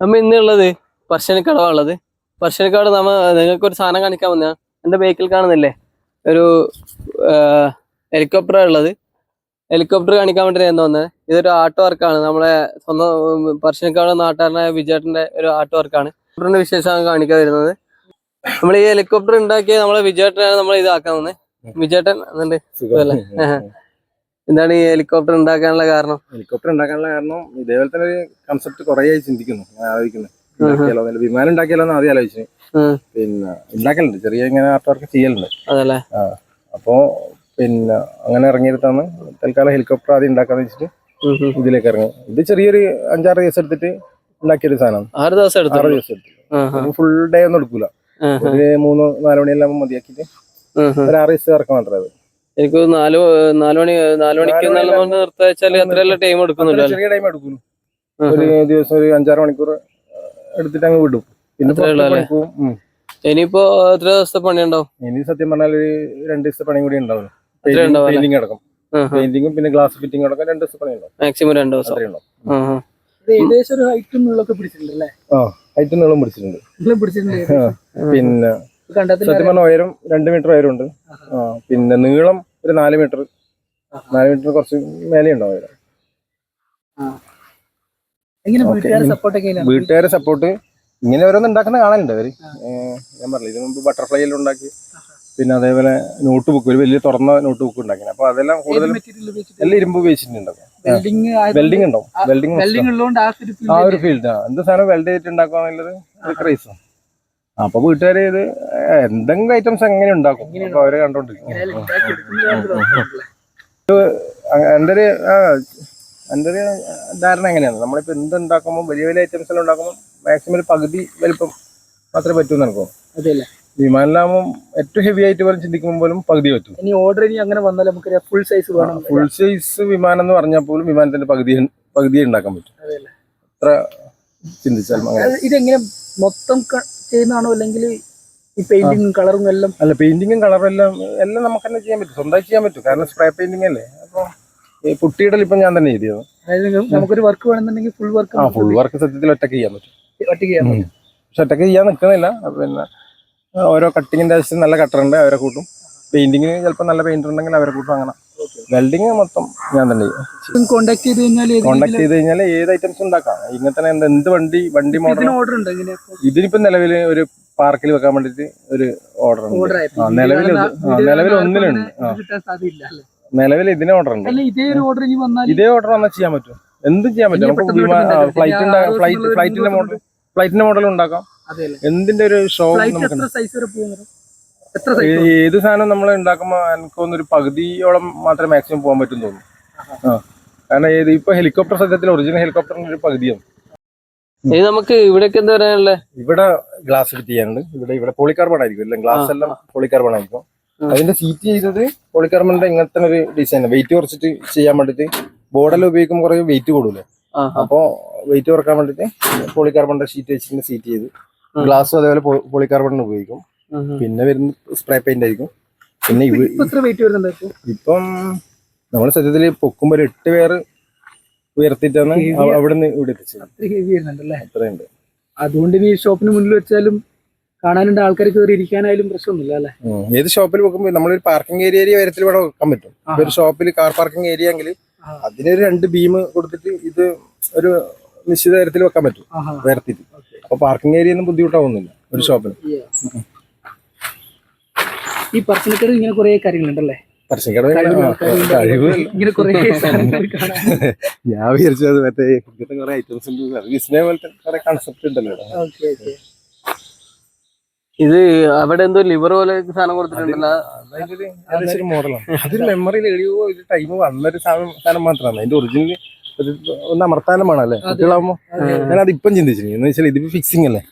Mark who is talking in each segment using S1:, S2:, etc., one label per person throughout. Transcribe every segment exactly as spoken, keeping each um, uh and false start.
S1: നമ്മ ഇന്നുള്ളത് പറശ്ശിനിക്കടവാണുള്ളത്. പറശ്ശിനിക്കട നമ്മ നിങ്ങൾക്ക് ഒരു സാധനം കാണിക്കാൻ വന്ന എന്റെ ബേക്കിൽ കാണുന്നില്ലേ ഒരു ഹെലികോപ്റ്റർ ഉള്ളത്. ഹെലികോപ്റ്റർ കാണിക്കാൻ വേണ്ടി എന്താ വന്നത്? ഇതൊരു ആർട്ട് വർക്കാണ്. നമ്മളെ സ്വന്തം പറശ്ശിനിക്കട നാട്ടുകാരനായ വിജയേട്ടന്റെ ഒരു ആർട്ട് വർക്കാണ്. ഹെലികോപ്റ്ററിന്റെ വിശേഷമാണ് കാണിക്കാൻ വരുന്നത്. നമ്മൾ ഈ ഹെലികോപ്റ്റർ ഉണ്ടാക്കിയ നമ്മളെ വിജയേട്ടനാണ് നമ്മൾ ഇതാക്കാൻ വന്നത്. വിജയേട്ടൻ എന്നുണ്ട് എന്താണ് ഈ ഹെലികോപ്റ്റർ ഉണ്ടാക്കാനുള്ള കാരണം?
S2: ഹെലികോപ്റ്റർ ഉണ്ടാക്കാനുള്ള കാരണം ഇതേപോലെ തന്നെ ഒരു കൺസെപ്റ്റ് കുറെ ആയി ചിന്തിക്കുന്നു, ആലോചിക്കുന്നു. വിമാനം ഉണ്ടാക്കിയാലോ എന്ന് ആദ്യം ആലോചിച്ചു. പിന്നെ ഉണ്ടാക്കലുണ്ട്, ചെറിയ ഇങ്ങനെ ആർട്ട് വർക്ക് ചെയ്യലുണ്ട്.
S1: അതല്ലേ?
S2: അപ്പോ പിന്നെ അങ്ങനെ ഇറങ്ങിയെടുത്താണ് തൽക്കാലം ഹെലികോപ്റ്റർ ആദ്യം ഉണ്ടാക്കാന്ന് വെച്ചിട്ട് ഇതിലേക്ക് ഇറങ്ങി. ഇത് ചെറിയൊരു അഞ്ചാറ് ദിവസം എടുത്തിട്ട് ഉണ്ടാക്കിയൊരു സാധനം.
S1: ആറ് ദിവസം എടുത്തു
S2: ആറ് ദിവസം എടുത്തു ഫുൾ ഡേ ഒന്നും എടുക്കൂല. ഒരു മൂന്ന് നാല് മണിയെല്ലാം മതിയാക്കിയിട്ട് ഒരു ആറ് ദിവസം ഇറക്കാൻ മാത്രമേ അത്.
S1: എനിക്ക് നാല് നാല് മണി നാല് മണിക്ക് നിർത്താച്ചാല് അത്രയല്ല ടൈം എടുക്കുന്നുണ്ടോ?
S2: ചെറിയ ടൈം എടുക്കുന്നു. ഒരു ദിവസം ഒരു അഞ്ചാറ് മണിക്കൂർ എടുത്തിട്ട് അങ്ങ് വിടും. പിന്നെ
S1: ഇനിയിപ്പോ എത്ര ദിവസത്തെ പണി ഉണ്ടാവും?
S2: ഇനി സത്യം പറഞ്ഞാൽ ഒരു രണ്ട് ദിവസത്തെ പണിയും കൂടി ഉണ്ടാവും. പെയിന്റിംഗ് അടക്കം, പെയിന്റിംഗും പിന്നെ ഗ്ലാസ് ഫിറ്റിംഗ് അടക്കം രണ്ട് ദിവസം പണി ഉണ്ടാവും.
S1: മാക്സിമം രണ്ട് ദിവസം
S3: ഏകദേശം ഒരു ഹൈറ്റും നീളമൊക്കെ പിടിച്ചിട്ടുണ്ടല്ലേ?
S2: ആ ഹൈറ്റും നീളം പിടിച്ചിട്ടുണ്ട്. പിന്നെ സത്യം പറഞ്ഞ ഉയരം രണ്ട് മീറ്റർ ഉയരമുണ്ട്. ആ പിന്നെ നീളം ഒരു നാല് മീറ്റർ നാല് മീറ്റർ കുറച്ച് മേലെ ഉണ്ടാവും ഉയരം. വീട്ടുകാരെ സപ്പോർട്ട് ഇങ്ങനെ ഓരോന്ന് ഉണ്ടാക്കുന്ന കാണാനുണ്ട് അവര്. ഞാൻ പറഞ്ഞില്ല, ഇതിനു മുമ്പ് ബട്ടർഫ്ലൈ എല്ലാം ഉണ്ടാക്കി, പിന്നെ അതേപോലെ നോട്ട് ബുക്ക്, ഒരു വലിയ തുറന്ന നോട്ട് ബുക്ക് ഉണ്ടാക്കി. അപ്പൊ അതെല്ലാം കൂടുതലും എല്ലാം ഇരുമ്പ് ഉപയോഗിച്ചിട്ടുണ്ടാവും. വെൽഡിങ് ഉണ്ടാവും. വെൽഡിങ് ആ ഒരു ഫീൽഡ് എന്ത് സാധനം വെൽഡ് ചെയ്തിട്ട് ഉണ്ടാക്കുക എന്നുള്ളത് ഒരു ക്രൈസാണ്. അപ്പൊ വീട്ടുകാര് ഇത് എന്തെങ്കിലും ഐറ്റംസ് എങ്ങനെ ഉണ്ടാക്കും, അപ്പൊ അവരെ കണ്ടോണ്ടിരിക്കും. എന്റെ ഒരു എന്റെ ഒരു ധാരണ എങ്ങനെയാണ്, നമ്മളിപ്പോ എന്ത് ഉണ്ടാക്കുമ്പോൾ വലിയ വലിയ ഐറ്റംസ് എല്ലാം ഉണ്ടാക്കുമ്പോൾ മാക്സിമം ഒരു പകുതി വലിപ്പം മാത്രമേ പറ്റൂന്ന് നടക്കും.
S3: അതെല്ലേ?
S2: വിമാനിലാകുമ്പോൾ ഏറ്റവും ഹെവി ആയിട്ട് പോലും ചിന്തിക്കുമ്പോൾ പോലും പകുതി പറ്റും.
S3: ഇനി ഓർഡർ ഇനി അങ്ങനെ വന്നാൽ നമുക്ക് ഫുൾ സൈസ് വേണം.
S2: ഫുൾ സൈസ് വിമാനം എന്ന് പറഞ്ഞാൽ പോലും വിമാനത്തിന്റെ പകുതി പകുതിയെ ഉണ്ടാക്കാൻ പറ്റും. അത്ര ചിന്തിച്ചാൽ.
S3: ഇതെങ്ങനെ മൊത്തം ചെയ്യുന്നതാണോ അല്ലെങ്കിൽ ഈ പെയിന്റിങ്ങും കളറും എല്ലാം?
S2: അല്ല, പെയിന്റിങ്ങും കളറും എല്ലാം എല്ലാം നമുക്ക് തന്നെ ചെയ്യാൻ പറ്റും, സ്വന്തമായി ചെയ്യാൻ പറ്റും. കാരണം സ്പ്രേ പെയിന്റിംഗ് അല്ലേ. അപ്പൊ ഈ പുട്ടിയിടൽ ഇപ്പൊ ഞാൻ തന്നെ ചെയ്തത്.
S3: അതായത് നമുക്കൊരു വർക്ക് വേണമെന്നുണ്ടെങ്കിൽ ഫുൾ വർക്ക്
S2: ആ ഫുൾ വർക്ക് സത്യത്തിൽ ഒറ്റയ്ക്ക് ചെയ്യാൻ പറ്റും.
S3: ഒറ്റയ്ക്ക് ചെയ്യാൻ പറ്റും.
S2: പക്ഷെ ഒറ്റയ്ക്ക് ചെയ്യാൻ നിൽക്കുന്നില്ല. പിന്നെ ഓരോ കട്ടിങ്ങിന്റെ ആവശ്യം നല്ല കട്ടറുണ്ട്, അവരെ കൂട്ടും. പെയിന്റിങ്ങിന് ചിലപ്പോൾ നല്ല പെയിന്റർ ഉണ്ടെങ്കിൽ അവരെ കൂട്ടും. അങ്ങനെ വെൽഡിങ് മൊത്തം ഞാൻ തന്നെ ചെയ്യും.
S3: കോണ്ടാക്ട് ചെയ്ത് കഴിഞ്ഞാൽ
S2: കോണ്ടാക്ട് ചെയ്ത് കഴിഞ്ഞാൽ ഏത് ഐറ്റംസ് ഉണ്ടാക്കാം. ഇങ്ങനത്തെ എന്ത് എന്ത് വണ്ടി വണ്ടി മോഡൽ
S3: ഓർഡർ ഉണ്ട്.
S2: ഇതിനിപ്പോ നിലവിൽ ഒരു പാർക്കിൽ വെക്കാൻ വേണ്ടിട്ട് ഒരു ഓർഡർ ഉണ്ട്. നിലവിൽ നിലവിൽ ഒന്നിലുണ്ട്. നിലവിൽ ഇതിന് ഓർഡർ ഉണ്ട്. ഇതേ ഓർഡർ വന്നാൽ ചെയ്യാൻ പറ്റും, എന്തും ചെയ്യാൻ പറ്റും. നമുക്ക് ഫ്ലൈറ്റ് ഫ്ലൈറ്റ് ഫ്ലൈറ്റിന്റെ മോഡൽ ഫ്ലൈറ്റിന്റെ മോഡൽ ഉണ്ടാക്കാം. എന്തിന്റെ ഒരു ഷോ ഏത് സാധനം നമ്മൾ ഉണ്ടാക്കുമ്പോ എനിക്കൊന്നും ഒരു പകുതിയോളം മാത്രമേ മാക്സിമം പോകാൻ പറ്റും തോന്നുന്നു. ആ കാരണം ഏത് ഇപ്പൊ ഹെലികോപ്റ്റർ സത്യത്തിൽ ഒറിജിനൽ ഹെലികോപ്റ്ററിന്റെ ഒരു പകുതിയാണ്.
S1: നമുക്ക് ഇവിടേക്ക് എന്താ പറയാനുള്ളത്?
S2: ഇവിടെ ഗ്ലാസ് ഫിറ്റ് ചെയ്യാനുണ്ട്. ഇവിടെ ഇവിടെ പോളികാർബൺ ആയിരിക്കും, എല്ലാം ഗ്ലാസ് എല്ലാം പോളികാർബൺ ആയിരിക്കും. അതിന്റെ സീറ്റ് ചെയ്തത് പോളികാർബണിന്റെ ഇങ്ങനത്തെ ഒരു ഡിസൈൻ, വെയിറ്റ് കുറച്ചിട്ട് ചെയ്യാൻ വേണ്ടിട്ട്. ബോർഡെല്ലാം ഉപയോഗിക്കുമ്പോൾ കുറെ വെയിറ്റ് കൂടൂലേ, അപ്പൊ വെയിറ്റ് കുറക്കാൻ വേണ്ടിട്ട് പോളികാർബണിന്റെ ഷീറ്റ് വെച്ചിട്ട് സീറ്റ് ചെയ്ത്. ഗ്ലാസും അതേപോലെ പോളികാർബണിന് ഉപയോഗിക്കും. പിന്നെ വരുന്ന സ്പ്രേ പെയിന്റ് ആയിരിക്കും. പിന്നെ ഇപ്പം നമ്മൾ സത്യത്തിൽ പൊക്കുമ്പോ ഒരു എട്ട് പേര് ഉയർത്തിട്ടാണ് അവിടുന്ന് ഇവിടെ എത്തിച്ചത്. അത്രയുണ്ട്.
S3: അതുകൊണ്ട് ഈ ഷോപ്പിന് മുന്നിൽ വെച്ചാലും കാണാനുണ്ട്, ആൾക്കാർ കയറി ഇരിക്കാനായാലും പ്രശ്നമൊന്നുമില്ല അല്ലെ?
S2: ഏത് ഷോപ്പിൽ വെക്കുമ്പോൾ നമ്മളൊരു പാർക്കിംഗ് ഏരിയ വരത്തിൽ ഇവിടെ വെക്കാൻ പറ്റും. ഒരു ഷോപ്പിൽ കാർ പാർക്കിംഗ് ഏരിയ എങ്കിൽ അതിനൊരു രണ്ട് ബീം കൊടുത്തിട്ട് ഇത് ഒരു നിശ്ചിത തരത്തിൽ വെക്കാൻ പറ്റും ഉയർത്തിട്ട്. അപ്പൊ പാർക്കിംഗ് ഏരിയ ഒന്നും ബുദ്ധിമുട്ടാവുന്നില്ല ഒരു ഷോപ്പിന്.
S3: ഈ പറശ്ശിനിക്കട ഇങ്ങനെ കുറെ കാര്യങ്ങളുണ്ടല്ലേ?
S2: പറശ്ശിനിക്കട കഴിവ് ഞാൻ വിചാരിച്ചത് മറ്റേ ഇങ്ങനത്തെ കുറെ ഐറ്റംസ് ഉണ്ട്, വിസ്മയ പോലത്തെ കുറെ കൺസെപ്റ്റ് ഉണ്ടല്ലോ.
S1: ഇത് അവിടെ എന്തോ ലിവർ പോലെ സാധനം കൊടുത്തിട്ടുണ്ടല്ലോ,
S2: അതൊരു മോഡലാണ്. അതൊരു മെമ്മറിയിൽ എഴുതിയോ ഇത് ടൈം വന്നൊരു സാധനം മാത്രമാണ്. അതിന്റെ ഒറിജിനൽ ഒന്ന് അമർത്താനും വേണമല്ലേ കുട്ടികളാകുമ്പോ. ഞാൻ അതിപ്പം ചിന്തിച്ചു എന്ന് വെച്ചാൽ ഇതിപ്പോ ഫിക്സിങ് അല്ലേ.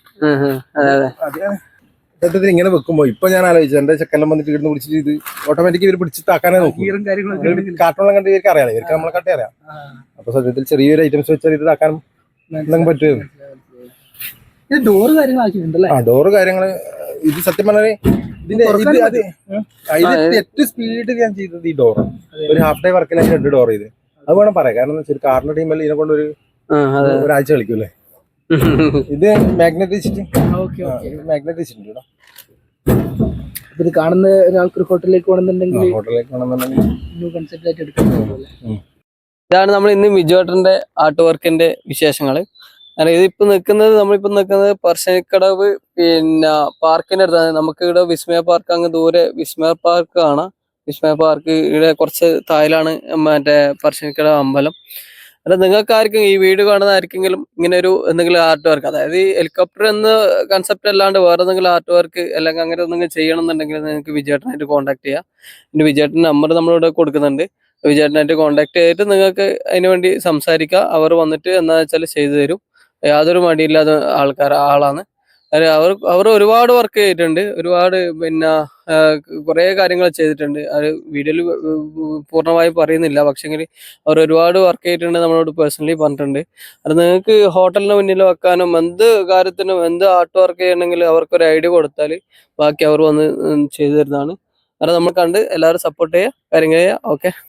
S2: സത്യത്തിൽ ഇങ്ങനെ വെക്കുമ്പോ ഇപ്പൊ ഞാൻ ആലോചിച്ചു, എന്റെ ചെക്കെല്ലാം വന്നിട്ട് ഇവിടുന്ന് പിടിച്ചിട്ട് ഇത് ഓട്ടോമാറ്റിക് ഇവർ പിടിച്ച് താക്കാനേ നോക്കും. കാർട്ടൂണെല്ലാം കണ്ട് ഇവർക്ക് അറിയാം, ഇവർക്ക് നമ്മളെ കട്ടേ അറിയാം. അപ്പൊ സത്യത്തിൽ ചെറിയൊരു ഐറ്റംസ് വെച്ചാൽ ഇത് താക്കാനും എന്തെങ്കിലും പറ്റുമോ?
S3: ഡോറ് കാര്യങ്ങളാക്കിയിട്ടുണ്ടല്ലേ?
S2: ആ ഡോറ് കാര്യങ്ങള് ഇത് സത്യം പറഞ്ഞാല് ഇതിന്റെ ഇത് അത് ഏറ്റവും സ്പീഡിൽ ഞാൻ ചെയ്തത് ഈ ഡോറ്. ഒരു ഹാഫ് ഡേ വർക്കിൽ രണ്ട് ഡോർ ചെയ്ത് അത് വേണം പറയാം. കാരണം ഒരു കാറിന്റെ ടീമല്ല ഇതിനെ കൊണ്ട് ഒരു ഒരാഴ്ച കളിക്കൂല്ലേ. ഇത് മാഗ്നറ്റ് വെച്ചിട്ട്
S3: ഓക്കെ ഓക്കെ
S2: മാഗ്നറ്റ് വെച്ചിട്ടുണ്ട് ഇവിടെ.
S3: ഇത് കാണുന്ന ഒരാൾക്ക് ഒരു ഹോട്ടലിലേക്ക് പോകണമെന്നുണ്ടെങ്കിൽ
S2: ഹോട്ടലിലേക്ക് വേണമെന്നുണ്ടെങ്കിൽ
S3: ന്യൂ കൺസെപ്റ്റ് ആയിട്ട് എടുക്കാൻ പറ്റുമല്ലേ?
S1: ഇതാണ് നമ്മൾ ഇന്ന് വിജുവേട്ടന്റെ ആർട്ട് വർക്കിന്റെ വിശേഷങ്ങൾ. കാരണം ഇതിപ്പോ നിൽക്കുന്നത് നമ്മളിപ്പോ നിൽക്കുന്നത് പറശ്ശിനിക്കടവ് പിന്നെ പാർക്കിന്റെ അടുത്താണ്. നമുക്ക് ഇവിടെ വിസ്മയ പാർക്ക് അങ്ങ് ദൂരെ വിസ്മയ പാർക്ക് കാണാം. വിസ്മയ പാർക്ക് ഇവിടെ കുറച്ച് താഴിലാണ് മറ്റേ പറശ്ശിനിക്കടവ് അമ്പലം. അല്ല നിങ്ങൾക്ക് ആർക്കും ഈ വീഡിയോ കാണുന്ന ആർക്കെങ്കിലും ഇങ്ങനെ ഒരു എന്തെങ്കിലും ആർട്ട് വർക്ക്, അതായത് ഈ ഹെലികോപ്റ്റർ എന്ന കൺസെപ്റ്റ് അല്ലാണ്ട് വേറെ എന്തെങ്കിലും ആർട്ട് വർക്ക് അല്ലെങ്കിൽ അങ്ങനെ എന്തെങ്കിലും ചെയ്യണം എന്നുണ്ടെങ്കിൽ നിങ്ങൾക്ക് വിജയേട്ടനായിട്ട് കോൺടാക്ട് ചെയ്യാം. എന്റെ വിജയേട്ടൻ നമ്പർ നമ്മളിവിടെ കൊടുക്കുന്നുണ്ട്. വിജയേട്ടനായിട്ട് കോൺടാക്ട് ചെയ്തിട്ട് നിങ്ങൾക്ക് അതിന് വേണ്ടി സംസാരിക്കാം. അവർ വന്നിട്ട് എന്താ വെച്ചാൽ ചെയ്തു തരും. യാതൊരു മടിയില്ലാത്ത ആൾക്കാർ ആളാണ്. അത് അവർ അവർ ഒരുപാട് വർക്ക് ചെയ്തിട്ടുണ്ട്. ഒരുപാട് പിന്നെ കുറേ കാര്യങ്ങൾ ചെയ്തിട്ടുണ്ട്. അത് വീഡിയോയിൽ പൂർണ്ണമായി പറയുന്നില്ല. പക്ഷെങ്കിൽ അവർ ഒരുപാട് വർക്ക് ചെയ്തിട്ടുണ്ട്, നമ്മളോട് പേഴ്സണലി പറഞ്ഞിട്ടുണ്ട്. അത് നിങ്ങൾക്ക് ഹോട്ടലിന് മുന്നിൽ വെക്കാനും എന്ത് കാര്യത്തിനും എന്ത് ആർട്ട് വർക്ക് ചെയ്യണമെങ്കിലും അവർക്കൊരു ഐഡിയ കൊടുത്താൽ ബാക്കി അവർ വന്ന് ചെയ്തു തരുന്നതാണ്. അത് നമ്മൾ കണ്ട് എല്ലാവരും സപ്പോർട്ട് ചെയ്യുക, കാര്യങ്ങൾ ചെയ്യുക. ഓക്കെ.